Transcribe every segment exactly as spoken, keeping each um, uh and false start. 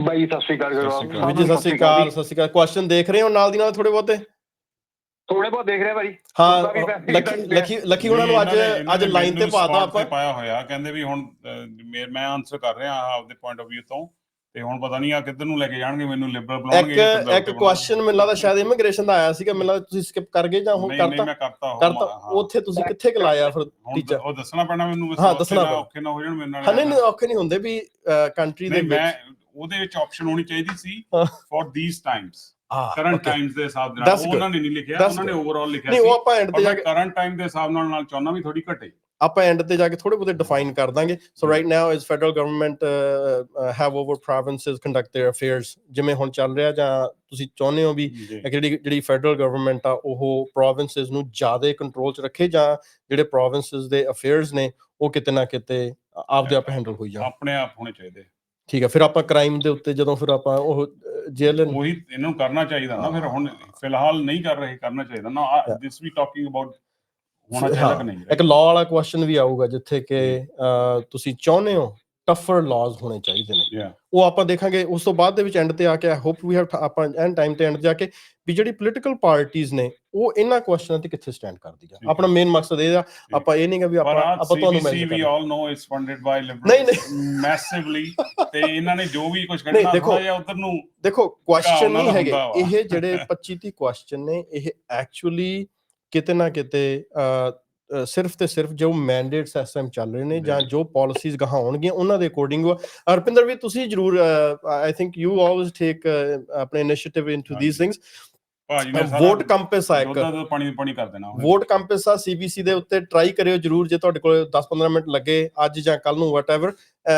ਬਾਈ ਸਤਿ ਸ਼੍ਰੀ ਅਕਾਲ ਵੀਰ ਜੀ, ਸਤਿ ਸ਼੍ਰੀ ਅਕਾਲ। ਸਤਿ ਸ਼੍ਰੀ ਅਕਾਲ। ਕੁਐਸਚਨ ਦੇਖ ਰਹੇ ਹੋ ਨਾਲ ਦੀ ਨਾਲ ਥੋੜੇ ਬਹੁਤੇ? ਥੋੜੇ ਬਹੁਤ ਦੇਖ ਰਿਹਾ ਭਾਈ। ਹਾਂ, ਲੱਕੀ ਲੱਕੀ ਲੱਕੀ ਉਹਨਾਂ ਨੂੰ ਅੱਜ ਅੱਜ ਲਾਈਨ ਤੇ ਪਾਤਾ ਆਪਾਂ ਪਾਇਆ ਹੋਇਆ, ਕਹਿੰਦੇ ਵੀ ਹੁਣ ਮੈਂ ਆਨਸਰ ਕਰ ਰਿਹਾ ਆਪਦੇ ਪੁਆਇੰਟ ਆਫ ਵਿਊ ਤੋਂ, ਤੇ ਹੁਣ ਪਤਾ ਨਹੀਂ ਆ ਕਿੱਧਰ ਨੂੰ ਲੈ ਕੇ ਜਾਣਗੇ, ਮੈਨੂੰ ਲਿਬਰਲ ਬਣਾਉਣਗੇ। ਇੱਕ ਇੱਕ ਕੁਐਸਚਨ ਮੈਨੂੰ ਲੱਗਦਾ ਸ਼ਾਇਦ ਇਮੀਗ੍ਰੇਸ਼ਨ ਦਾ ਆਇਆ ਸੀਗਾ, ਮੈਨੂੰ ਲੱਗਦਾ ਤੁਸੀਂ ਸਕਿਪ ਕਰ ਗਏ ਜਾਂ ਹੁਣ ਕਰਤਾ? ਮੈਂ ਕਰਤਾ ਕਰਤਾ। ਉੱਥੇ ਤੁਸੀਂ ਕਿੱਥੇ ਲਾਇਆ ਫਿਰ ਟੀਚਰ? ਉਹ ਦੱਸਣਾ ਪੈਣਾ ਮੈਨੂੰ, ਹਾਂ ਦੱਸਣਾ ਪੈਣਾ, ਔਖੇ ਨਾ ਹੋ ਜਾਣ ਮੇਰੇ ਨਾਲ। ਹਾਂ ਨਹੀਂ ਔਖੇ ਨਹੀਂ ਹੁੰਦੇ ਵੀ ਕੰਟਰੀ ਦੇ ਵਿੱਚ ਉਹਦੇ ਵਿੱਚ ਆਪਸ਼ਨ ਹੋਣੀ ਚਾਹੀਦੀ ਸੀ for these times, current times ਦੇ ਹਿਸਾਬ ਨਾਲ। ਉਹਨਾਂ ਨੇ ਨਹੀਂ ਲਿਖਿਆ, ਉਹਨਾਂ ਨੇ ਓਵਰਆਲ ਲਿਖਿਆ ਸੀ। ਨਹੀਂ ਉਹ ਆਪਾਂ ਐਂਡ ਤੇ ਜਾ ਕੇ ਕਰੰਟ ਟਾਈਮ ਦੇ ਹਿਸਾਬ ਨਾਲ ਨਾਲ ਚਾਹੁੰਦਾ ਵੀ ਥੋੜੀ ਘਟੇ। ਆਪਾਂ ਐਂਡ ਤੇ ਜਾ ਕੇ ਥੋੜੇ ਬਹੁਤੇ ਡਿਫਾਈਨ ਕਰ ਦਾਂਗੇ। So right now is federal government have over provinces conduct their affairs, ਜਿਵੇਂ ਹੁਣ ਚੱਲ ਰਿਹਾ, ਜਾਂ ਤੁਸੀਂ ਚਾਹੁੰਦੇ ਹੋ ਵੀ ਜਿਹੜੀ ਜਿਹੜੀ ਫੈਡਰਲ ਗਵਰਨਮੈਂਟ ਆ ਉਹ ਪ੍ਰੋਵਿੰਸਸ ਨੂੰ ਜ਼ਿਆਦਾ ਕੰਟਰੋਲ 'ਚ ਰੱਖੇ, ਜਾਂ ਜਿਹੜੇ ਪ੍ਰੋਵਿੰਸਸ ਦੇ ਅਫੇਅਰਸ ਨੇ ਉਹ ਕਿਤੇ ਨਾ ਕਿਤੇ ਆਪਦੇ ਆਪ ਹੈਂਡਲ ਹੋਈ ਜਾਣ? ਆਪਣੇ ਆਪ ਹੋਣੇ ਚਾਹੀਦੇ। ਠੀਕ ਹੈ। ਫਿਰ ਆਪਾਂ ਕ੍ਰਾਈਮ ਦੇ ਉੱਤੇ ਜਦੋਂ ਫਿਰ ਆਪਾਂ ਉਹ ਜੇਲ੍ਹ ਉਹੀ ਇਹਨਾਂ ਨੂੰ ਕਰਨਾ ਚਾਹੀਦਾ ਨਾ। ਫਿਰ ਹੁਣ ਫਿਲਹਾਲ ਨਹੀਂ ਕਰ ਰਹੇ, ਕਰਨਾ ਚਾਹੀਦਾ ਨਾ। ਦਿਸ ਵੀ ਟਾਕਿੰਗ ਅਬਾਊਟ ਹੋਣਾ ਚਾਹੀਦਾ ਕਿ ਨਹੀਂ। ਇੱਕ ਲਾਅ ਵਾਲਾ ਕੁਐਸਚਨ ਵੀ ਆਊਗਾ ਜਿੱਥੇ ਕਿ ਤੁਸੀਂ ਚਾਹੁੰਦੇ ਹੋ ਟਫਰ ਲਾਜ਼ ਹੋਣੇ ਚਾਹੀਦੇ ਨੇ, ਉਹ ਆਪਾਂ ਦੇਖਾਂਗੇ ਉਸ ਤੋਂ ਬਾਅਦ ਦੇ ਵਿੱਚ ਐਂਡ ਤੇ ਆ ਕੇ। ਆਈ ਹੋਪ ਵੀ ਹੈਵ ਆਪਾਂ ਐਂਡ ਟਾਈਮ ਤੇ ਐਂਡ ਜਾ ਕੇ ਵੀ ਜਿਹੜੀ ਪੋਲੀਟੀਕਲ ਪਾਰਟੀਜ਼ ਨੇ ਉਹ ਇਹਨਾਂ ਕੁਐਸਚਨਾਂ ਤੇ ਕਿੱਥੇ ਸਟੈਂਡ ਕਰਦੀ ਆ। ਆਪਣਾ ਮੇਨ ਮਕਸਦ ਇਹ ਆ, ਆਪਾਂ ਇਹ ਨਹੀਂ ਗਾ ਵੀ ਆਪਾਂ ਆਪਾਂ ਤੁਹਾਨੂੰ ਮੈਂਸ਼ਨ ਕਰਾਂਗੇ। We all know it's funded by liberal ਨਹੀਂ ਨਹੀਂ ਮੈਸਿਵਲੀ, ਤੇ ਇਹਨਾਂ ਨੇ ਜੋ ਵੀ ਕੁਝ ਕਰਨਾ ਥੋੜਾ ਜਿਹਾ ਉਧਰ ਨੂੰ ਦੇਖੋ। ਕੁਐਸਚਨ ਨਹੀਂ ਹੈਗੇ ਇਹ ਜਿਹੜੇ ਪੱਚੀ ਤੀਹ ਕੁਐਸਚਨ ਨੇ, ਇਹ ਐਕਚੁਅਲੀ ਕਿਤੇ ਨਾ ਕਿਤੇ ਸਿਰਫ ਤੇ ਸਿਰਫ ਜੋ ਮੈਂਡੇਟਸ ਇਸ ਟਾਈਮ ਚੱਲ ਰਹੇ ਨੇ ਜਾਂ ਜੋ ਪਾਲਿਸੀਜ਼ ਗਾਹਾਂ ਹੋਣਗੀਆਂ ਉਹਨਾਂ ਦੇ ਅਕੋਰਡਿੰਗ। ਹਰਪਿੰਦਰ ਵੀ ਤੁਸੀਂ ਜ਼ਰੂਰ, I think you always take ਆਪਣੇ initiative into these things. Vote ਕੰਪਸ ਆ, ਇੱਕ ਪਾਣੀ ਪਾਣੀ ਕਰ ਦੇਣਾ ਵੋਟ ਕੰਪਸ ਆ ਸੀਬੀਸੀ ਦੇ ਉੱਤੇ, ਟਰਾਈ ਕਰਿਓ ਜਰੂਰ ਜੇ ਤੁਹਾਡੇ ਕੋਲ ਦਸ ਪੰਦਰਾਂ ਮਿੰਟ ਲੱਗੇ ਅੱਜ ਜਾਂ ਕੱਲ ਨੂੰ, ਵਟ ਐਵਰ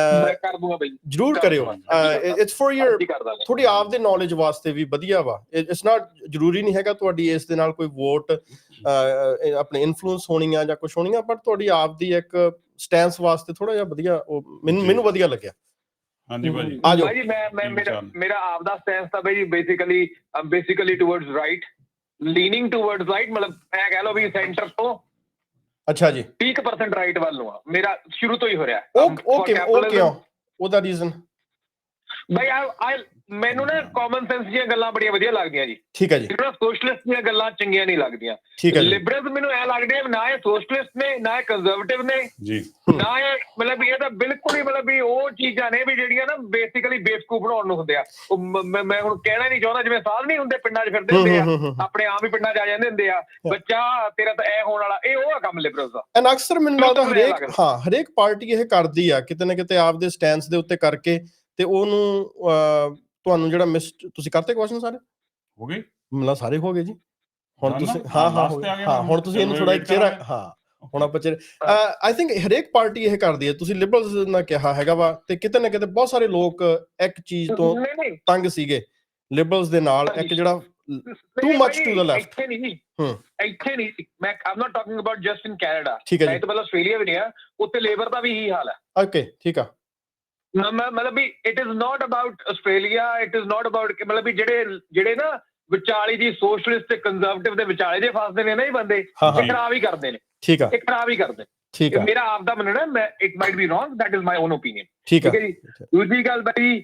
ਜਰੂਰ ਕਰਿਓ। ਇਟਸ ਫॉर ਯੂਰ ਥੋੜੀ ਆਪ ਦੇ ਨੌਲੇਜ ਵਾਸਤੇ ਵੀ ਵਧੀਆ ਵਾ। ਇਟਸ ਨਾਟ ਜ਼ਰੂਰੀ ਨਹੀਂ ਹੈਗਾ ਤੁਹਾਡੀ ਇਸ ਦੇ ਨਾਲ ਕੋਈ ਵੋਟ ਆਪਣੇ ਇਨਫਲੂਐਂਸ ਹੋਣੀ ਆ ਜਾਂ ਕੁਛ ਹੋਣੀ ਆ, ਬਟ ਤੁਹਾਡੀ ਆਪ ਦੀ ਇੱਕ ਸਟੈਂਸ ਵਾਸਤੇ ਥੋੜਾ ਜਿਹਾ ਵਧੀਆ, ਉਹ ਮੈਨੂੰ ਮੈਨੂੰ ਵਧੀਆ ਲੱਗਿਆ। ਹਾਂਜੀ ਭਾਜੀ ਭਾਜੀ ਮੈਂ ਮੈਂ ਮੇਰਾ ਮੇਰਾ ਆਪ ਦਾ ਸਟੈਂਸ ਤਾਂ ਭਾਜੀ basically basically towards right, leaning towards right, ਮਤਲਬ ਇਹ ਕਹਿ ਲਓ ਵੀ ਸੈਂਟਰ ਤੋਂ ਅੱਛਾ ਜੀ ਤੀਹ ਪਰਸੈਂਟ ਰਾਈਟ ਵੱਲ ਨੂੰ ਆ ਮੇਰਾ ਸ਼ੁਰੂ ਤੋਂ ਹੀ ਹੋ ਰਿਹਾ। ਉਹ ਉਹ ਕਿਉਂ, ਉਹਦਾ ਰੀਜ਼ਨ? ਭਾਈ ਆ ਮੈਨੂੰ ਨਾ ਕਾਮਨ ਸੈਂਸ ਦੀਆਂ ਗੱਲਾਂ ਬੜੀਆਂ ਵਧੀਆ ਲੱਗਦੀਆਂ ਜੀ। ਠੀਕ ਹੈ ਜੀ। ਸੋਸ਼ਲਿਸਟ ਦੀਆਂ ਗੱਲਾਂ ਚੰਗੀਆਂ ਨਹੀਂ ਲੱਗਦੀਆਂ। ਠੀਕ ਹੈ। ਲਿਬਰਲਸ ਮੈਨੂੰ ਐ ਲੱਗਦੇ ਨਾ ਇਹ ਸੋਸ਼ਲਿਸਟ ਨੇ, ਨਾ ਇਹ ਕੰਜ਼ਰਵੇਟਿਵ ਨੇ ਜੀ, ਨਾ ਇਹ ਮਤਲਬ ਇਹ ਤਾਂ ਬਿਲਕੁਲ ਹੀ ਮਤਲਬ ਵੀ ਉਹ ਚੀਜ਼ਾਂ ਨੇ ਵੀ ਜਿਹੜੀਆਂ ਨਾ ਬੇਸਿਕਲੀ ਬੇਵਕੂਫ ਬਣਾਉਣ ਨੂੰ ਹੁੰਦੇ ਆ। ਮੈਂ ਹੁਣ ਕਹਿਣਾ ਨਹੀਂ ਚਾਹੁੰਦਾ, ਜਿਵੇਂ ਸਾਧ ਨਹੀਂ ਹੁੰਦੇ ਪਿੰਡਾਂ 'ਚ ਫਿਰਦੇ ਹੁੰਦੇ ਆ, ਆਪਣੇ ਆਪ ਹੀ ਪਿੰਡਾਂ 'ਚ ਆ ਜਾਂਦੇ ਹੁੰਦੇ ਆ, ਬੱਚਾ ਤੇਰਾ ਤਾਂ ਇਹ ਹੋਣ ਵਾਲਾ, ਇਹ ਉਹ ਆ ਕੰਮ ਲਿਬਰਲਸ ਦਾ। ਐਂਡ ਅਕਸਰ ਮੈਨੂੰ ਲੱਗਦਾ ਹਰੇਕ ਹਾਂ ਹਰੇਕ ਪਾਰਟੀ ਇਹ ਕਰਦੀ ਆ ਕਿਤੇ ਨਾ ਕਿਤੇ ਆਪਦੇ ਸਟੈਂਸ ਦੇ ਉੱਤੇ ਕਰਕੇ, ਤੇ ਉਹਨੂੰ ਤੁਹਾਨੂੰ ਜਿਹੜਾ ਮਿਸ ਤੁਸੀਂ ਕਰਤੇ ਕੁਐਸਚਨ ਸਾਰੇ ਹੋ ਗਏ, ਮਤਲਬ ਸਾਰੇ ਹੋ ਗਏ ਜੀ। ਹੁਣ ਤੁਸੀਂ ਹਾਂ ਹਾਂ ਹਾਂ ਹੁਣ ਤੁਸੀਂ ਇਹਨੂੰ ਥੋੜਾ ਚਿਹਰਾ, ਹਾਂ ਹੁਣ ਆਪਾਂ ਚਿਹਰਾ ਆਈ ਥਿੰਕ ਹਰੇਕ ਪਾਰਟੀ ਇਹ ਕਰਦੀ ਹੈ। ਤੁਸੀਂ ਲਿਬਰਲਸ ਨੇ ਕਿਹਾ ਹੈਗਾ ਵਾ, ਤੇ ਕਿਤੇ ਨਾ ਕਿਤੇ ਬਹੁਤ ਸਾਰੇ ਲੋਕ ਇੱਕ ਚੀਜ਼ ਤੋਂ ਤੰਗ ਸੀਗੇ ਲਿਬਰਲਸ ਦੇ ਨਾਲ, ਇੱਕ ਜਿਹੜਾ too much to the left. ਇੱਥੇ ਨਹੀਂ ਹੂੰ ਇੱਥੇ ਨਹੀਂ ਮੈਂ am not talking about just in Canada, ਠੀਕ ਹੈ ਜੀ, ਮਤਲਬ ਆਸਟ੍ਰੇਲੀਆ ਵੀ ਨਹੀਂ ਆ, ਉੱਥੇ ਲੇਬਰ ਦਾ ਵੀ ਇਹੀ ਹਾਲ ਹੈ। ਓਕੇ ਠੀਕ ਆ। ਮਤਲਬ ਵੀ it is not about Australia, it is not about ਮਤਲਬ ਵੀ ਜਿਹੜੇ ਜਿਹੜੇ ਨਾ ਵਿਚਾਲੇ ਜੀ ਸੋਸ਼ਲਿਸਟ ਤੇ ਕੰਜ਼ਰਵੇਟਿਵ ਦੇ ਵਿਚਾਲੇ ਜੇ ਫਸਦੇ ਨੇ ਨਾ ਇਹ ਬੰਦੇ, ਇਹ ਖਰਾਬ ਹੀ ਕਰਦੇ ਨੇ। ਠੀਕ ਆ, ਇਹ ਖਰਾਬ ਹੀ ਕਰਦੇ। ਠੀਕ ਆ, ਮੇਰਾ ਆਪ ਦਾ ਮੰਨਣਾ, ਮੈਂ it might be wrong, that is my own opinion. ਠੀਕ ਹੈ ਜੀ। ਦੂਜੀ ਗੱਲ ਭਾਈ,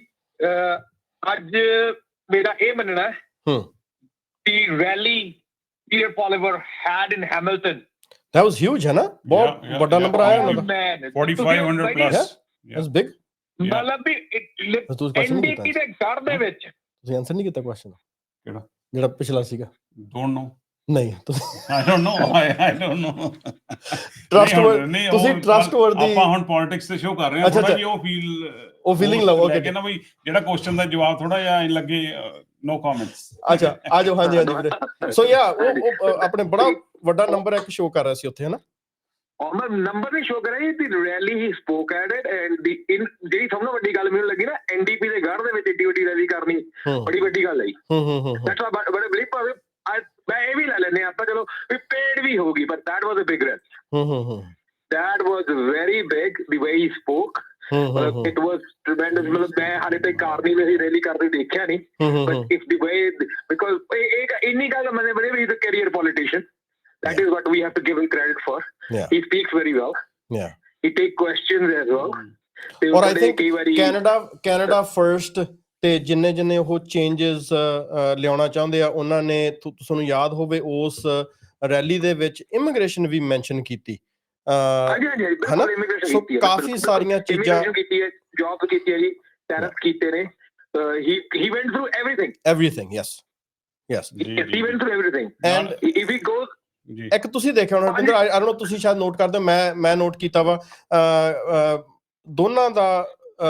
ਅੱਜ ਮੇਰਾ ਇਹ ਮੰਨਣਾ ਹੂੰ ਕਿ rally Peter Poilievre had in Hamilton, that was huge ਹੈ ਨਾ, ਬਹੁਤ ਵੱਡਾ ਨੰਬਰ ਆਇਆ ਉਹਨਾਂ ਦਾ, forty-five hundred plus, that's big। ਮਤਲਬ ਵੀ ਐਨਡੀਪੀ ਦੇ ਘਰ ਦੇ ਵਿੱਚ ਤੁਸੀਂ ਆਨਸਰ ਨਹੀਂ ਕੀਤਾ ਕੁਐਸਚਨ ਕਿਹੜਾ ਜਿਹੜਾ ਪਿਛਲਾ ਸੀਗਾ? ਡੋਨਟ ਨੋ, ਨਹੀਂ ਤੁਸੀਂ I don't know, I don't know. Trustworthy, ਤੁਸੀਂ ਟਰਸਟਵਰਦੀ, ਆਪਾਂ ਹੁਣ ਪੋਲਿਟਿਕਸ ਤੇ ਸ਼ੋ ਕਰ ਰਹੇ ਹਾਂ, ਥੋੜਾ ਜਿਹਾ ਉਹ ਫੀਲ ਉਹ ਫੀਲਿੰਗ ਲਓ। ਓਕੇ ਕਹਿੰਦਾ ਬਈ ਜਿਹੜਾ ਕੁਐਸਚਨ ਦਾ ਜਵਾਬ ਥੋੜਾ ਜਿਹਾ ਲੱਗੇ, ਨੋ ਕਮੈਂਟਸ। ਅੱਛਾ ਆ ਜਾਓ। ਹਾਂਜੀ ਹਾਂਜੀ ਵੀਰੇ। ਸੋ ਯਾ ਉਹ ਆਪਣੇ ਬੜਾ ਵੱਡਾ ਨੰਬਰ ਇੱਕ ਸ਼ੋ ਕਰ ਰਿਹਾ ਸੀ ਉੱਥੇ, ਹੈ ਨਾ? ਨੰਬਰ ਨਹੀਂ ਸ਼ੋ ਕਰਿਆ ਜੀ, rally he spoke at it. And ਦੀ ਇਨ ਜਿਹੜੀ ਸਭ ਤੋਂ ਵੱਡੀ ਗੱਲ ਮੈਨੂੰ ਲੱਗੀ ਨਾ, ਐਨਡੀਪੀ ਦੇ ਗੜ੍ਹ ਦੇ ਵਿੱਚ ਏਡੀ ਵੱਡੀ ਰੈਲੀ ਕਰਨੀ ਬੜੀ ਵੱਡੀ ਗੱਲ ਹੈ ਜੀ। ਦੈਟਸ ਵਾਈ ਬੜੇ ਬਿਲੀਵ ਭਾਵੇਂ ਮੈਂ ਇਹ ਵੀ ਲੈ ਲੈਂਦੇ ਆਪਾਂ, ਚਲੋ ਵੀ ਪੇਡ ਵੀ ਹੋਗੀ, but that was a big rally. That was very big the way he spoke. It was tremendous. ਮਤਲਬ ਮੈਂ ਹਾਲੇ ਤੱਕ ਕਾਰਨੀ ਵਿੱਚ ਰੈਲੀ ਕਰਦੇ ਦੇਖਿਆ ਨਹੀਂ, but if the way because ਇਹ ਇੰਨੀ ਗੱਲ ਮੰਨੇ ਬੜੇ ਵੀ is a career politician. That is what we have to give him credit for. Yeah. He speaks very well. Yeah. He takes questions as well. Or I think Canada, Canada first ਤੇ ਜਿੰਨੇ ਜਿੰਨੇ ਉਹ changes ਲਿਆਉਣਾ ਚਾਹੁੰਦੇ ਆ ਉਹਨਾਂ ਨੇ ਤੁਹਾਨੂੰ ਯਾਦ ਹੋਵੇ ਉਸ ਰੈਲੀ ਦੇ ਵਿੱਚ ਇਮੀਗ੍ਰੇਸ਼ਨ ਵੀ ਮੈਂਸ਼ਨ ਕੀਤੀ ਹਨਾ ਸੋ ਕਾਫੀ ਸਾਰੀਆਂ ਚੀਜ਼ਾਂ ਜੌਬ ਕੀਤੀ ਹੈ ਜੀ ਟੈਰਫ ਕੀਤੇ ਨੇ he he went through everything everything yes yes he went through everything and if he goes ਇੱਕ ਤੁਸੀਂ ਦੇਖਿਆ ਹੋਣਾ ਰੁਪਿੰਦਰ ਆਈ ਡੋਨਟ ਨੋ ਤੁਸੀਂ ਸ਼ਾਇਦ ਨੋਟ ਕਰਦੇ ਹੋ ਮੈਂ ਮੈਂ ਨੋਟ ਕੀਤਾ ਵਾ ਦੋਨਾਂ ਦਾ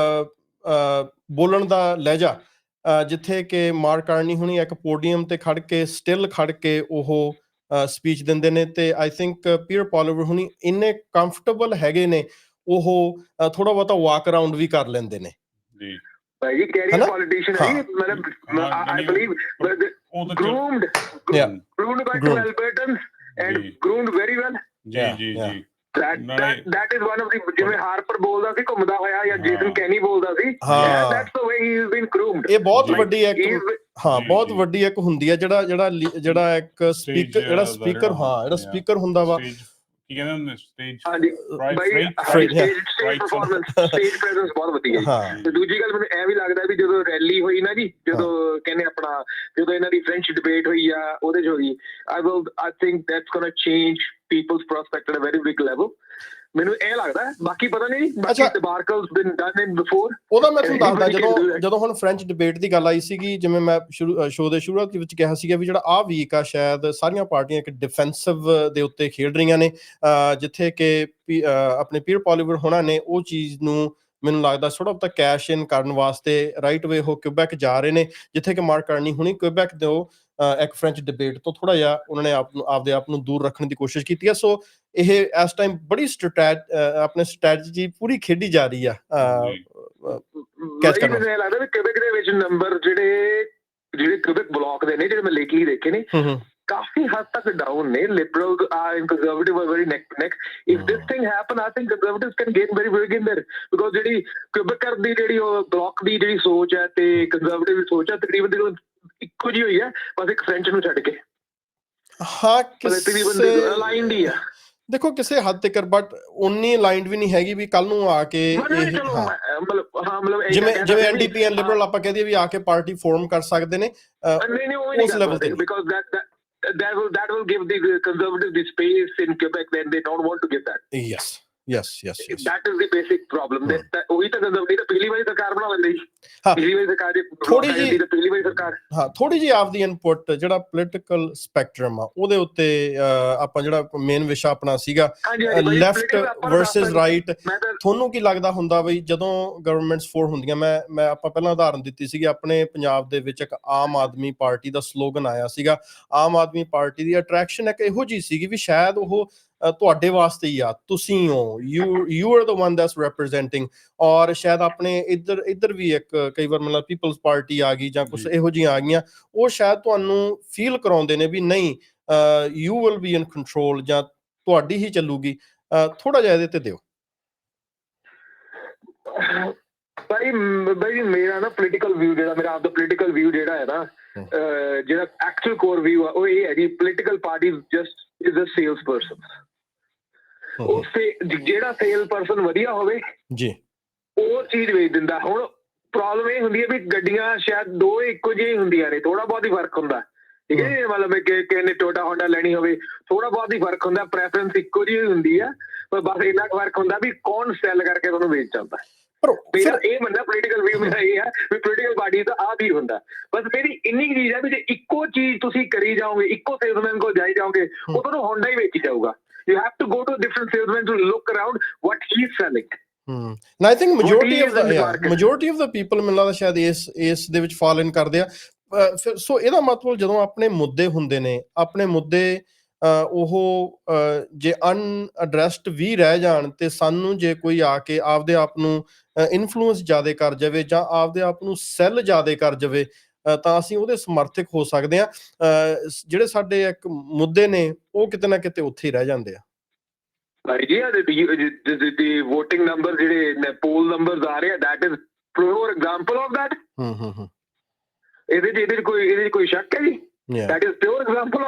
ਬੋਲਣ ਦਾ ਲਹਿਜਾ ਜਿੱਥੇ ਕਿ ਮਾਰਕ ਕਾਰਨੀ ਹੁਣੀ ਇੱਕ ਪੋਡੀਅਮ ਤੇ ਖੜ ਕੇ ਸਟਿਲ ਖੜ ਕੇ ਉਹ ਸਪੀਚ ਦਿੰਦੇ ਨੇ ਤੇ ਆਈ ਥਿੰਕ ਪੀਅਰ ਪੋਲੀਵਰ ਹੁਣੀ ਇੰਨੇ ਕੰਫਰਟੇਬਲ ਹੈਗੇ ਨੇ ਉਹ ਥੋੜਾ ਬਹੁਤਾ ਵਾਕ ਅਰਾਊਂਡ ਵੀ ਕਰ ਲੈਂਦੇ ਨੇ ਜੀ ਭਾਈ ਕੈਰੀਅਰ ਪੋਲੀਟੀਸ਼ੀਅਨ ਹੈ ਮਤਲਬ I believe groomed yeah groomed by two Albertans and groomed very well ਜੀ ਜੀ ਜੀ that that that is one of the ਜਿਵੇਂ ਹਾਰਪਰ ਬੋਲਦਾ ਸੀ ਘੁੰਮਦਾ ਹੋਇਆ ਜਾਂ ਜੇਸਨ ਕੈਨੀ ਬੋਲਦਾ ਸੀ that's the way he has been groomed ਇਹ ਬਹੁਤ ਵੱਡੀ ਇੱਕ ਹਾਂ ਬਹੁਤ ਵੱਡੀ ਇੱਕ ਹੁੰਦੀ ਹੈ ਜਿਹੜਾ ਜਿਹੜਾ ਜਿਹੜਾ ਇੱਕ ਸਪੀਕਰ ਜਿਹੜਾ ਸਪੀਕਰ ਹਾਂ ਜਿਹੜਾ ਸਪੀਕਰ ਹੁੰਦਾ ਵਾ ਕੀ ਕਹਿੰਦੇ ਹੁੰਦੇ ਸਟੇਜ ਹਾਂਜੀ ਬਾਈ ਸਟੇਜ ਪਰਫਾਰਮੈਂਸ ਸਟੇਜ ਪ੍ਰੈਜ਼ੈਂਸ ਬਹੁਤ ਵਧੀਆ ਹੈ ਤੇ ਦੂਜੀ ਗੱਲ ਮੈਨੂੰ ਐ ਵੀ ਲੱਗਦਾ ਵੀ ਜਦੋਂ ਰੈਲੀ ਹੋਈ ਨਾ ਜੀ ਜਦੋਂ ਕਹਿੰਦੇ ਆਪਣਾ ਜਦੋਂ ਇਹਨਾਂ ਦੀ ਫ੍ਰੈਂਚ ਡਿਬੇਟ ਹੋਈ ਆ ਉਹਦੇ ਚ ਹੋਈ I will I think that's gonna change people's prospect at a very big level ਮੈਨੂੰ ਇਹ ਲੱਗਦਾ ਬਾਕੀ ਪਤਾ ਨਹੀਂ ਬਾਕੀ ਡਿਬਾਰਕਲਸ ਬੀਨ ਡਨ ਇਨ ਬਿਫੋਰ ਉਹਦਾ ਮੈਂ ਤੁਹਾਨੂੰ ਦੱਸਦਾ ਜਦੋਂ ਜਦੋਂ ਹੁਣ ਫ੍ਰੈਂਚ ਡਿਬੇਟ ਦੀ ਗੱਲ ਆਈ ਸੀਗੀ ਜਿਵੇਂ ਮੈਂ ਸ਼ੋਅ ਦੇ ਸ਼ੁਰੂਆਤ ਵਿੱਚ ਕਿਹਾ ਸੀਗਾ ਵੀ ਜਿਹੜਾ ਆਹ ਵੀਕ ਆ ਸ਼ਾਇਦ ਸਾਰੀਆਂ ਪਾਰਟੀਆਂ ਇੱਕ ਡਿਫੈਂਸਿਵ ਦੇ ਉੱਤੇ ਖੇਡ ਰਹੀਆਂ ਨੇ ਜਿੱਥੇ ਕਿ ਆਪਣੇ ਪੀਅਰ ਪੋਲੀਵਰ ਹੋਣਾ ਨੇ ਉਹ ਚੀਜ਼ ਨੂੰ ਮੈਨੂੰ ਲੱਗਦਾ ਥੋੜਾ ਬਹੁਤਾ ਕੈਸ਼ ਇਨ ਕਰਨ ਵਾਸਤੇ ਰਾਈਟ ਵੇ ਉਹ ਕਿਊਬੈਕ ਜਾ ਰਹੇ ਨੇ ਜਿੱਥੇ ਕਿ ਮਾਰਕ ਕਾਰਨੀ ਹੁਣੀ ਕਿਊਬੈਕ ਦੇ ਉਹ ਇੱਕ ਫ੍ਰੈਂਚ ਡਿਬੇਟ ਤੋਂ ਥੋੜਾ ਜਿਹਾ ਉਹਨਾਂ ਨੇ ਆਪ ਨੂੰ ਆਪਦੇ ਆਪ ਨੂੰ ਦੂਰ ਰੱਖਣ ਦੀ ਕੋਸ਼ਿਸ਼ ਕੀਤੀ ਹੈ ਸੋ ਇਹ ਇਸ ਟਾਈਮ ਬੜੀ ਸਟ੍ਰੈਟ ਆਪਣੇ ਸਟ੍ਰੈਟਜੀ ਪੂਰੀ ਖੇਡੀ ਜਾ ਰਹੀ ਆ ਕੈਚ ਕਰਨਾ ਮੈਨੂੰ ਲੱਗਦਾ ਵੀ ਕਿਊਬੈਕ ਦੇ ਵਿੱਚ ਨੰਬਰ ਜਿਹੜੇ ਜਿਹੜੇ ਕਿਊਬੈਕ ਬਲਾਕ ਦੇ ਨੇ ਜਿਹੜੇ ਮੈਂ ਲੇਖੀ ਦੇਖੇ ਨੇ ਕਾਫੀ ਹੱਦ ਤੱਕ ਡਾਊਨ ਨੇ liberal and conservative are very neck to neck if this thing happen I think conservatives can gain very big in there because ਜਿਹੜੀ ਕਿਊਬੈਕਰ ਦੀ ਜਿਹੜੀ ਉਹ ਬਲਾਕ ਦੀ ਜਿਹੜੀ ਸੋਚ ਹੈ ਤੇ ਕੰਜ਼ਰਵੇਟਿਵ ਦੀ ਸੋਚ ਹੈ ਤਕਰੀਬਨ ਇੱਕੋ ਜਿਹੀ ਹੋਈ ਹੈ ਬਸ ਇੱਕ ਫ੍ਰੈਂਚ ਨੂੰ ਛੱਡ ਕੇ ਹਾਂ ਕਿਸੇ ਅਲਾਈਨਡ ਹੀ ਆ ਦੇਖੋ ਕਿਸੇ ਹੱਦ ਤੱਕ ਬਟ ਉਨੀ ਅਲਾਈਨਡ ਵੀ ਨਹੀਂ ਹੈਗੀ ਵੀ ਕੱਲ ਨੂੰ ਆ ਕੇ ਜਿਵੇਂ ਜਿਵੇਂ ਐਨਡੀਪੀ ਐਂਡ ਲਿਬਰਲ ਆਪਾਂ ਕਹਦੇ ਵੀ ਆ ਕੇ ਪਾਰਟੀ ਫਾਰਮ ਕਰ ਸਕਦੇ ਨੇ ਉਸ ਲੈਵਲ ਤੇ because that that will that will give the conservative the space in Quebec when they don't want to give that yes yes yes, yes. that is the basic problem hmm. that ਉਹੀ ਤਾਂ conservative ਤਾਂ ਪਹਿਲੀ ਵਾਰੀ ਸਰਕਾਰ ਬਣਾ ਲੈਂਦੇ ਸੀ ਪਹਿਲੀ ਵਾਰੀ ਸਰਕਾਰ ਦੀ ਥੋੜੀ ਜਿਹੀ ਪਹਿਲੀ ਵਾਰੀ ਸਰਕਾਰ ਹਾਂ ਥੋੜੀ ਜਿਹੀ ਆਪਦੀ ਇਨਪੁਟ ਜਿਹੜਾ ਪੋਲੀਟੀਕਲ ਸਪੈਕਟਰਮ ਆ ਉਹਦੇ ਉੱਤੇ ਆਪਾਂ ਜਿਹੜਾ ਮੇਨ ਵਿਸ਼ਾ ਆਪਣਾ ਸੀਗਾ ਲੈਫਟ ਵਰਸਸ ਰਾਈਟ ਤੁਹਾਨੂੰ ਕੀ ਲੱਗਦਾ ਹੁੰਦਾ ਬਈ ਜਦੋਂ ਗਵਰਨਮੈਂਟਸ ਫੋਰ ਹੁੰਦੀਆਂ ਮੈਂ ਮੈਂ ਆਪਾਂ ਪਹਿਲਾਂ ਉਦਾਹਰਨ ਦਿੱਤੀ ਸੀਗੀ ਆਪਣੇ ਪੰਜਾਬ ਦੇ ਵਿੱਚ ਇੱਕ ਆਮ ਆਦਮੀ ਪਾਰਟੀ ਦਾ ਸਲੋਗਨ ਆਇਆ ਸੀਗਾ ਆਮ ਆਦਮੀ ਪਾਰਟੀ ਦੀ ਅਟਰੈਕਸ਼ਨ ਇੱਕ ਇਹੋ ਜਿਹੀ ਸੀਗੀ ਵੀ ਸ਼ਾਇਦ ਉਹ ਤੁਹਾਡੇ ਵਾਸਤੇ ਹੀ ਆ ਤੁਸੀਂ ਹੋ you you are the one that's representing ਔਰ ਸ਼ਾਇਦ ਆਪਣੇ ਇੱਧਰ ਇੱਧਰ ਵੀ ਇੱਕ ਕਈ ਵਾਰ ਮਤਲਬ ਪੀਪਲਸ ਪਾਰਟੀ ਆ ਗਈ ਜਾਂ ਕੁਛ ਇਹੋ ਜਿਹੀਆਂ ਆ ਗਈਆਂ ਉਹ ਸ਼ਾਇਦ ਤੁਹਾਨੂੰ ਫੀਲ ਕਰਾਉਂਦੇ ਨੇ ਵੀ ਨਹੀਂ you will be in control ਜਾਂ ਤੁਹਾਡੀ ਹੀ ਚੱਲੂਗੀ ਥੋੜਾ ਜਿਹਾ ਇਹਦੇ ਤੇ ਦਿਓ ਭਾਈ ਭਾਈ ਮੇਰਾ ਨਾ ਪੋਲੀਟੀਕਲ ਵਿਊ ਜਿਹੜਾ ਮੇਰਾ ਆਪਦਾ ਪੋਲੀਟੀਕਲ ਵਿਊ ਜਿਹੜਾ ਹੈ ਨਾ ਜਿਹੜਾ ਐਕਚੁਅਲ ਕੋਰ ਵਿਊ ਆ ਉਹ ਇਹ ਹੈ ਕਿ political party just is a sales person ਉਹ ਜਿਹੜਾ ਸੇਲ ਪਰਸਨ ਵਧੀਆ ਹੋਵੇ ਜੀ ਉਹ ਚੀਜ਼ ਵੇਚ ਦਿੰਦਾ ਹੁਣ ਪ੍ਰੋਬਲਮ ਇਹ ਹੁੰਦੀ ਹੈ ਵੀ ਗੱਡੀਆਂ ਸ਼ਾਇਦ ਦੋ ਇੱਕੋ ਜਿਹੀਆਂ ਹੁੰਦੀਆਂ ਨੇ ਥੋੜਾ ਬਹੁਤ ਹੀ ਫਰਕ ਹੁੰਦਾ ਠੀਕ ਹੈ ਮਤਲਬ ਕਿ ਕਿਸੇ ਨੇ ਟੋਟਾ ਹੋਂਡਾ ਲੈਣੀ ਹੋਵੇ ਥੋੜਾ ਬਹੁਤ ਹੀ ਫਰਕ ਹੁੰਦਾ ਪ੍ਰੈਫਰੈਂਸ ਇੱਕੋ ਜਿਹੀ ਹੁੰਦੀ ਆ ਪਰ ਬਸ ਇੰਨਾ ਫਰਕ ਹੁੰਦਾ ਵੀ ਕੌਣ ਸੈਲ ਕਰਕੇ ਤੁਹਾਨੂੰ ਵੇਚ ਜਾਂਦਾ ਮੇਰਾ ਇਹ ਮੰਨਣਾ ਪੋਲੀਟੀਕਲ ਵਿਊ ਮੇਰਾ ਇਹ ਹੈ ਵੀ ਪੋਲੀਟੀਕਲ ਪਾਰਟੀ ਦਾ ਆਹ ਵੀ ਹੁੰਦਾ ਬਸ ਮੇਰੀ ਇੰਨੀ ਚੀਜ਼ ਹੈ ਵੀ ਜੇ ਇੱਕੋ ਚੀਜ਼ ਤੁਸੀਂ ਕਰੀ ਜਾਓਗੇ ਇੱਕੋ ਸੇਲਸਮੈਨ ਕੋਲ ਜਾਈ ਜਾਓਗੇ ਉਹ ਤੁਹਾਨੂੰ ਹੋਂਡਾ ਹੀ ਵੇਚੀ ਜਾਊਗਾ you have to go to a different salesman to look around what he's selling hmm and I think majority of the yeah, majority of the people ਮੈਨੂੰ ਲੱਗਦਾ ਸ਼ਾਇਦ ਇਸ ਇਸ ਦੇ ਵਿੱਚ ਫਾਲ ਇਨ ਕਰਦੇ ਆ ਫਿਰ ਸੋ ਇਹਦਾ ਮਤਲਬ ਜਦੋਂ ਆਪਣੇ ਮੁੱਦੇ ਹੁੰਦੇ ਨੇ ਆਪਣੇ ਮੁੱਦੇ ਉਹ ਜੇ ਅਨਐਡਰੈਸਡ ਵੀ ਰਹਿ ਜਾਣ ਤੇ ਸਾਨੂੰ ਜੇ ਕੋਈ ਆ ਕੇ ਆਪਦੇ ਆਪ ਨੂੰ ਇਨਫਲੂਐਂਸ ਜ਼ਿਆਦਾ ਕਰ ਜਾਵੇ ਜਾਂ ਆਪਦੇ ਆਪ ਨੂੰ ਸੈੱਲ ਜ਼ਿਆਦਾ ਕਰ ਜਾਵੇ ਤਾਂ ਅਸੀਂ ਉਹਦੇ ਸਮਰਥਕ ਹੋ ਸਕਦੇ ਹਾਂ ਜਿਹੜੇ ਸਾਡੇ ਇੱਕ ਮੁੱਦੇ ਨੇ ਉਹ ਕਿਤੇ ਨਾ ਕਿਤੇ ਉੱਥੇ ਹੀ ਰਹਿ ਜਾਂਦੇ ਆ ਭਾਈ ਜੀ ਦੀ ਵੋਟਿੰਗ ਨੰਬਰ ਜਿਹੜੇ ਪੋਲ ਨੰਬਰਸ ਆ ਰਹੇ ਆ that is pure example of that hmm hmm ਹੂੰ ਇਹਦੇ ਚ ਇਹਦੇ ਚ ਕੋਈ ਇਹਦੇ ਚ ਕੋਈ ਸ਼ੱਕ ਹੈ ਜੀ that is pure example of it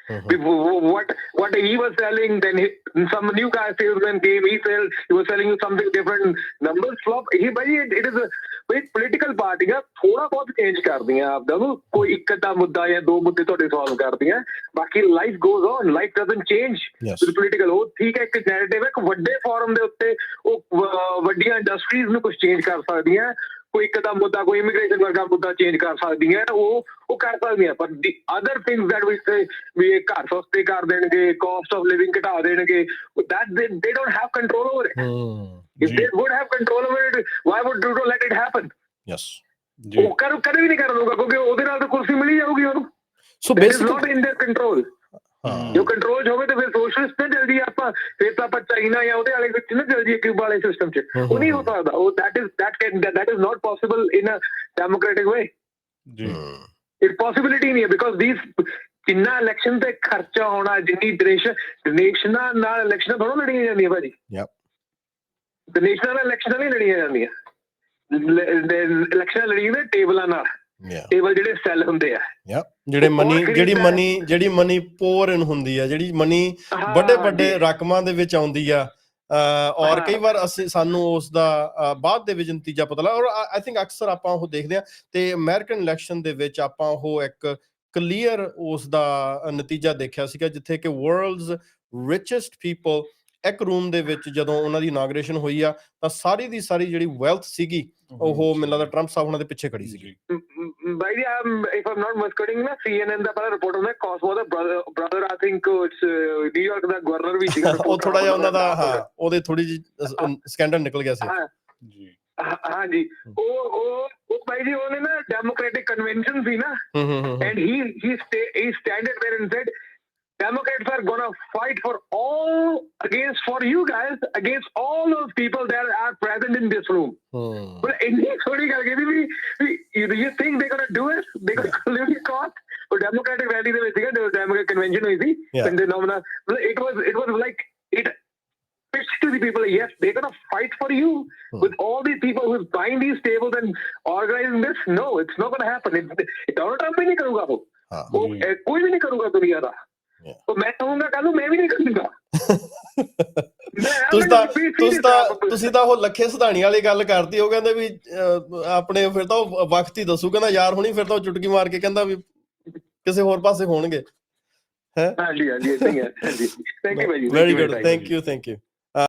what what he was selling, then he, some new car salesman came, he sell, he was selling you something different, numbers flop. He bhai it, it is a bhai political party ਆ ਥੋੜਾ ਬਹੁਤ change ਕਰਦੀਆਂ ਆਪਦਾ ਨੂੰ, ਕੋਈ ਇੱਕ ਅੱਧਾ ਮੁੱਦਾ ਜਾਂ ਦੋ ਮੁੱਦੇ ਤੁਹਾਡੇ ਸੋਲਵ ਕਰਦੀਆਂ, ਬਾਕੀ life goes on, life doesn't change with political. ਉਹ ਠੀਕ ਹੈ ਇੱਕ ਨੈਰੇਟਿਵ ਹੈ, ਇੱਕ ਵੱਡੇ ਫੋਰਮ ਦੇ ਉੱਤੇ ਉਹ ਵੱਡੀਆਂ ਇੰਡਸਟਰੀਜ਼ ਨੂੰ ਕੁਝ ਚੇਂਜ ਕਰ ਸਕਦੀਆਂ, ਕੋਈ ਇੱਕ ਦਾ ਮੁੱਦਾ ਕੋਈ ਇਮੀਗ੍ਰੇਸ਼ਨ ਵਰਗਾ ਮੁੱਦਾ ਚੇਂਜ ਕਰ ਸਕਦੀਆਂ, ਉਹ ਉਹ ਕਰ ਸਕਦੀਆਂ। ਪਰ the other things that we say ਵੀ ਇਹ ਘਰ ਸਸਤੇ ਕਰ ਦੇਣਗੇ, ਕਾਸਟ ਆਫ ਲਿਵਿੰਗ ਘਟਾ ਦੇਣਗੇ, that they they don't have control over it. If they would have control over it, why would Trudeau let it happen? Yes, ਉਹ ਕਰ ਕਦੇ ਵੀ ਨਹੀਂ ਕਰ ਦੂਗਾ, ਕਿਉਂਕਿ ਉਹਦੇ ਨਾਲ ਤਾਂ ਕੁਰਸੀ ਮਿਲੀ ਜਾਊਗੀ ਉਹਨੂੰ। So basically not in their control. ਜੋ ਕੰਟਰੋਲ ਚ ਹੋਵੇ ਤੇ ਫਿਰ ਸੋਸ਼ਲਿਸਟ ਨਾ ਜਲਦੀ ਆਪਾਂ ਫਿਰ ਤਾਂ ਆਪਾਂ ਚਾਈਨਾ ਜਾਂ ਉਹਦੇ ਵਾਲੇ ਵਿੱਚ ਨਾ ਜਲਦੀ ਕਿਊਬਾ ਵਾਲੇ ਸਿਸਟਮ ਚ, ਉਹ ਨਹੀਂ ਹੋ ਸਕਦਾ। ਉਹ that is that can that is not possible in a democratic way. ਜੀ ਇਟ ਪੋਸੀਬਿਲਿਟੀ ਨਹੀਂ ਹੈ, ਬਿਕੋਜ਼ ਥੀਸ ਜਿੰਨਾ ਇਲੈਕਸ਼ਨ ਤੇ ਖਰਚਾ ਹੋਣਾ, ਜਿੰਨੀ ਡੋਨੇਸ਼ਨ ਡੋਨੇਸ਼ਨਾਂ ਨਾਲ ਇਲੈਕਸ਼ਨਾਂ ਥੋੜ੍ਹਾ ਲੜੀਆਂ ਜਾਂਦੀਆਂ ਭਾਜੀ। ਡੋਨੇਸ਼ਨਾਂ ਨਾਲ ਇਲੈਕਸ਼ਨਾਂ ਨਹੀਂ ਲੜੀਆਂ ਜਾਂਦੀਆਂ, ਇਲੈਕਸ਼ਨਾਂ ਲੜੀਆਂ ਨੇ ਟੇਬਲਾਂ ਨਾਲ। ਟੇਬਲ ਜਿਹੜੇ ਸੈੱਲ ਹੁੰਦੇ ਆ, ਜਿਹੜੇ ਮਨੀ ਜਿਹੜੀ ਮਨੀ ਜਿਹੜੀ ਮਨੀ ਪੋਰ ਇਨ ਹੁੰਦੀ ਆ, ਜਿਹੜੀ ਮਨੀ ਵੱਡੇ ਵੱਡੇ ਰਕਮਾਂ ਦੇ ਵਿੱਚ ਆਉਂਦੀ ਆ, ਔਰ ਕਈ ਵਾਰ ਅਸੀਂ ਸਾਨੂੰ ਉਸ ਦਾ ਬਾਅਦ ਦੇ ਵਿੱਚ ਨਤੀਜਾ ਪਤਾ ਲੱਗ। ਔਰ ਆਈ ਥਿੰਕ ਅਕਸਰ ਆਪਾਂ ਉਹ ਦੇਖਦੇ ਹਾਂ ਤੇ ਅਮਰੀਕਨ ਇਲੈਕਸ਼ਨ ਦੇ ਵਿੱਚ ਆਪਾਂ ਉਹ ਇੱਕ ਕਲੀਅਰ ਉਸ ਦਾ ਨਤੀਜਾ ਦੇਖਿਆ ਸੀਗਾ, ਜਿੱਥੇ ਕਿ ਵਰਲਡਸ ਰਿਚੈਸਟ ਪੀਪਲ ਇੱਕ ਰੂਮ ਦੇ ਵਿੱਚ ਜਦੋਂ ਉਹਨਾਂ ਦੀ ਇਨਾਗਰੇਸ਼ਨ ਹੋਈ ਆ ਤਾਂ ਸਾਰੀ ਦੀ ਸਾਰੀ ਜਿਹੜੀ ਵੈਲਥ ਸੀਗੀ ਉਹ ਮੈਨੂੰ ਲੱਗਦਾ ਟਰੰਪ ਸਾਹਿਬ ਉਹਨਾਂ ਦੇ ਪਿੱਛੇ ਖੜੀ ਸੀਗੀ। ਬਾਈ ਜੀ ਇਫ ਆਮ ਨਾਟ ਮਿਸਕੋਟਿੰਗ ਨਾ ਸੀ ਐਨ ਐਨ ਦਾ ਪਹਿਲਾ ਰਿਪੋਰਟ ਹੁੰਦਾ ਕਾਸਮੋ ਦਾ brother I think it's New York ਦਾ ਗਵਰਨਰ ਵੀ ਸੀਗਾ, ਉਹ ਥੋੜਾ ਜਿਹਾ ਉਹਨਾਂ ਦਾ ਹਾਂ ਉਹਦੇ ਥੋੜੀ ਜਿਹੀ ਸਕੈਂਡਲ ਨਿਕਲ ਗਿਆ ਸੀ ਜੀ। ਹਾਂ ਜੀ, ਉਹ ਉਹ ਉਹ ਬਾਈ ਜੀ ਉਹਨੇ ਨਾ ਡੈਮੋਕ੍ਰੈਟਿਕ ਕਨਵੈਨਸ਼ਨ ਸੀ ਨਾ, and he he he standed there and said Democrats are gonna fight for all against for you guys against all those people that are present in this room. Hmm. But India thodi kar ke bhi do you think they're gonna do it? They're gonna live in cost. So Democratic rally de vich the Democratic convention hui thi, and the nomina it was it was like it pitched to the people, yes they're gonna fight for you hmm. with all these people who's buying these tables and organizing this. No, it's not gonna happen. Donald Trump bhi nahi karuga wo, koi bhi nahi karuga duniya da। ਮੈਂ ਕਹੂੰਗਾ ਕੱਲ ਨੂੰ ਮੈਂ ਵੀ ਨਹੀਂ ਕਰੂੰਗਾ। ਤੁਸੀਂ ਤਾਂ ਤੁਸੀਂ ਤਾਂ ਤੁਸੀਂ ਤਾਂ ਉਹ ਲੱਖੇ ਸਿਧਾਣੀ ਵਾਲੀ ਗੱਲ ਕਰਤੀ, ਉਹ ਕਹਿੰਦੇ ਵੀ ਆਪਣੇ ਫਿਰ ਤਾਂ ਉਹ ਵਕਤ ਹੀ ਦੱਸੂ, ਕਹਿੰਦਾ ਯਾਰ ਹੁਣੀ ਫਿਰ ਤਾਂ ਉਹ ਚੁਟਕੀ ਮਾਰ ਕੇ ਕਹਿੰਦਾ ਵੀ ਕਿਸੇ ਹੋਰ ਪਾਸੇ ਹੋਣਗੇ। ਹੈ ਹਾਂਜੀ ਹਾਂਜੀ ਏਦਾਂ ਹੀ ਹੈ। ਹਾਂਜੀ ਥੈਂਕ ਯੂ ਭਾਈ ਜੀ, very good, thank you thank you.